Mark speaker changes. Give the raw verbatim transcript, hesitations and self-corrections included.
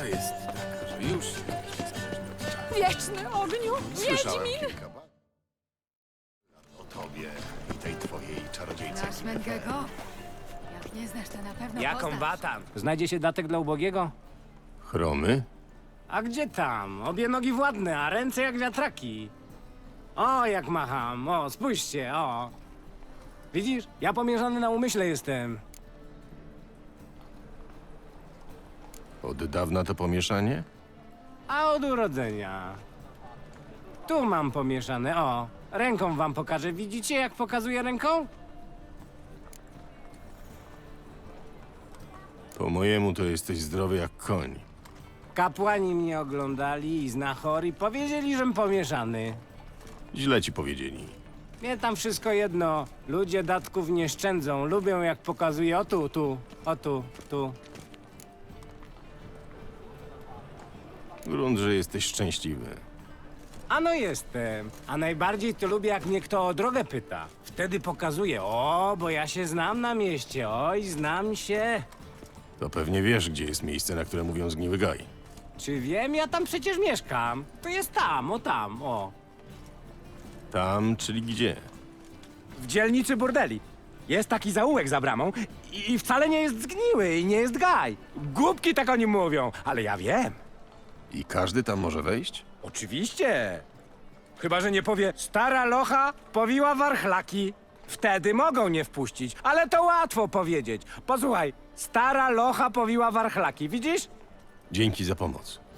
Speaker 1: Prawda jest taka, że już jesteś zależny od czasu.
Speaker 2: Wieczny ogniu!
Speaker 1: Słyszałem
Speaker 2: Wiedźmin!
Speaker 1: kilka ba- o tobie i tej twojej czarodziejce.
Speaker 2: Znasz Mengego? Jak nie znasz, to na pewno
Speaker 3: Jaką
Speaker 2: poznasz.
Speaker 3: batan? Znajdzie się datek dla ubogiego?
Speaker 1: Chromy?
Speaker 3: A gdzie tam? Obie nogi władne, a ręce jak wiatraki. O, jak macham. O, spójrzcie, o. Widzisz? Ja pomierzany na umyśle jestem.
Speaker 1: Od dawna to pomieszanie?
Speaker 3: A od urodzenia. Tu mam pomieszane, o. Ręką wam pokażę. Widzicie, jak pokazuję ręką?
Speaker 1: Po mojemu to jesteś zdrowy jak koń.
Speaker 3: Kapłani mnie oglądali i znachori powiedzieli, żem pomieszany.
Speaker 1: Źle ci powiedzieli.
Speaker 3: Mnie tam wszystko jedno. Ludzie datków nie szczędzą. Lubią, jak pokazuję. O tu, tu, o tu, tu.
Speaker 1: Grunt, że jesteś szczęśliwy.
Speaker 3: Ano jestem. A najbardziej to lubię, jak mnie kto o drogę pyta. Wtedy pokazuję. O, bo ja się znam na mieście. Oj, znam się.
Speaker 1: To pewnie wiesz, gdzie jest miejsce, na które mówią zgniły gaj.
Speaker 3: Czy wiem? Ja tam przecież mieszkam. To jest tam, o tam, o.
Speaker 1: Tam, czyli gdzie?
Speaker 3: W dzielnicy burdeli. Jest taki zaułek za bramą i wcale nie jest zgniły i nie jest gaj. Głupki tak o nim mówią, ale ja wiem.
Speaker 1: I każdy tam może wejść?
Speaker 3: Oczywiście. Chyba że nie powie, stara locha powiła warchlaki. Wtedy mogą nie wpuścić, ale to łatwo powiedzieć. Posłuchaj, stara locha powiła warchlaki, widzisz?
Speaker 1: Dzięki za pomoc.